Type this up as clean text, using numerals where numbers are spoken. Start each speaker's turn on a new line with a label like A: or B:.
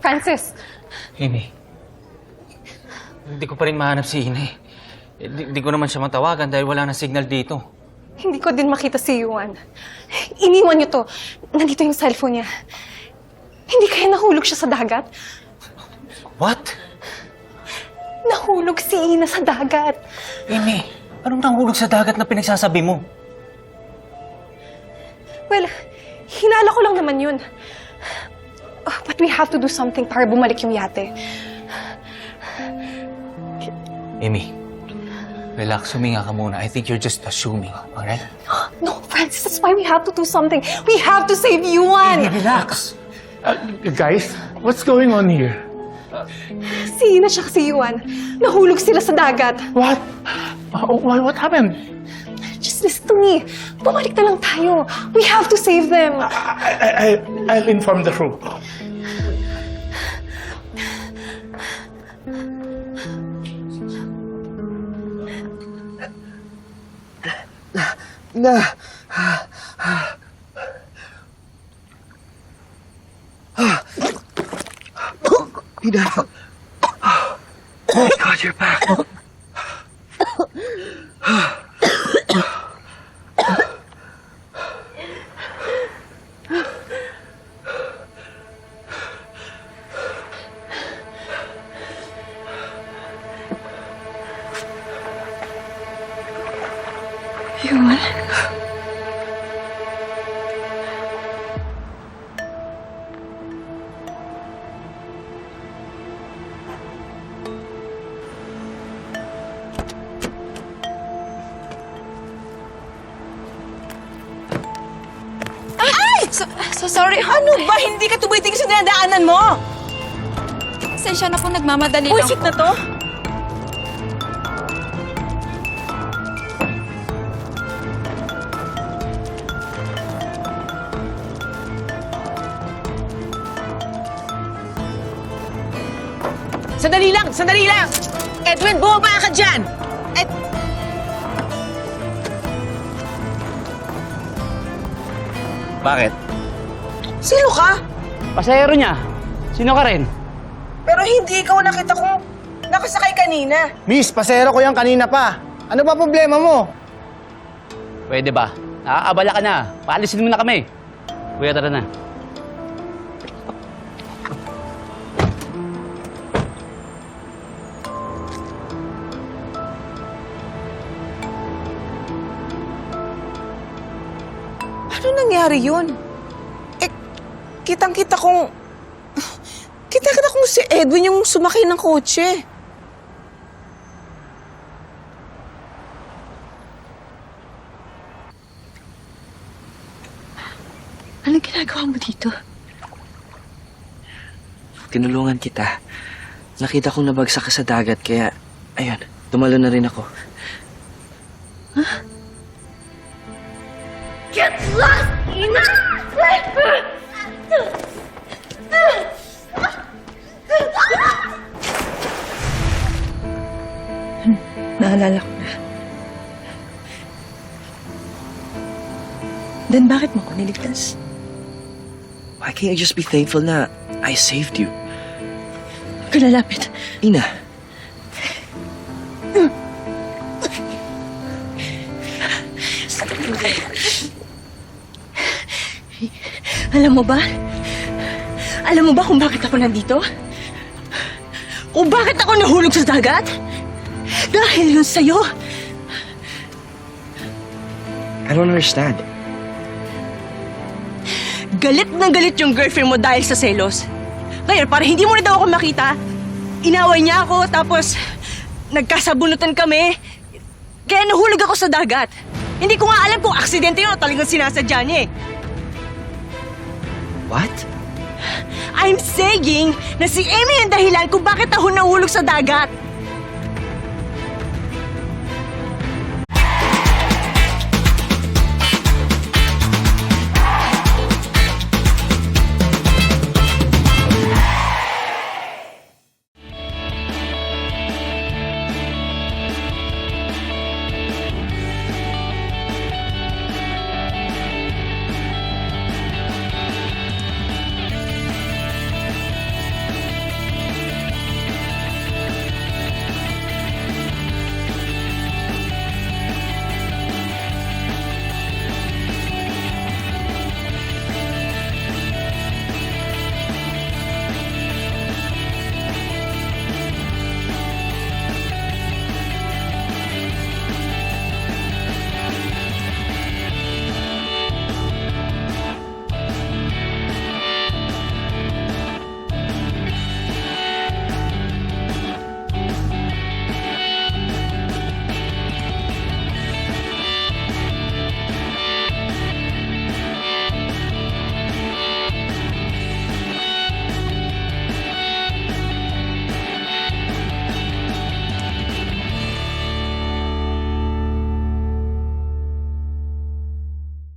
A: Francis!
B: Amy, hindi ko pa rin mahanap si Ina eh. Di ko naman siya matawagan dahil wala na signal dito.
A: Hindi ko din makita si Yuan. Iniwan niyo to. Nandito yung cellphone niya. Hindi kaya nahulog siya sa dagat?
B: What?
A: Nahulog si Ina sa dagat.
B: Amy, anong nahulog sa dagat na pinagsasabi mo?
A: Well, hinala ko lang naman yun. But we have to do something para bumalik yung yate.
B: Amy, relax, huminga ka muna. I think you're just assuming, alright?
A: No, Francis, that's why we have to do something. We have to save Yuan!
B: Relax!
C: Guys, what's going on here?
A: Si Ina siya si Yuan. Nahulog sila sa dagat.
C: What? What happened?
A: Just listen to me. Bumalik na lang tayo. We have to save them.
C: I'll inform the crew.
D: Ina. Oh God, you're back.
A: Yuan?
E: Sorry, ano ba? Hindi ka tumitingin sa dinadaanan mo!
F: Pasensya na po, nagmamadali lang
E: Buisit
F: po.
E: na to? Sandali lang! Sandali lang! Edwin, bumaba ka dyan!
B: Bakit?
E: Sino ka?
G: Pasahero niya. Sino ka rin?
E: Pero hindi ikaw nakita kong nakasakay kanina.
D: Miss, pasero ko yan kanina pa. Ano ba problema mo?
G: Pwede ba? Nakakabala ka na. Paalisin mo na kami. Kuya, tara na.
E: Ano nangyari yun? Eh, kitang-kita kong... Kita-kita kong si Edwin yung sumakay ng kotse.
F: Anong ginagawa mo dito?
D: Tinulungan kita. Nakita kong nabagsak ka sa dagat, kaya... Ayun, tumalo na rin ako.
H: Get lost, Ina!
E: Naalala ko na. Then bakit mo ko niligtas?
D: Why can't you just be thankful na I saved you?
E: Huwag ka lalapit.
D: Ina,
E: Alam mo ba? Alam mo ba kung bakit ako nandito? Kung bakit ako nahulog sa dagat? Dahil yun sa'yo.
D: I don't understand.
E: Galit na galit yung girlfriend mo dahil sa selos. Kaya para hindi mo na daw ako makita, inaway niya ako tapos nagkasabunutan kami. Kaya nahulog ako sa dagat. Hindi ko nga alam kung aksidente yun o talagang sinasadya niya eh.
D: What?
E: I'm saying na si Amy ang dahilan kung bakit ako nahulog sa dagat.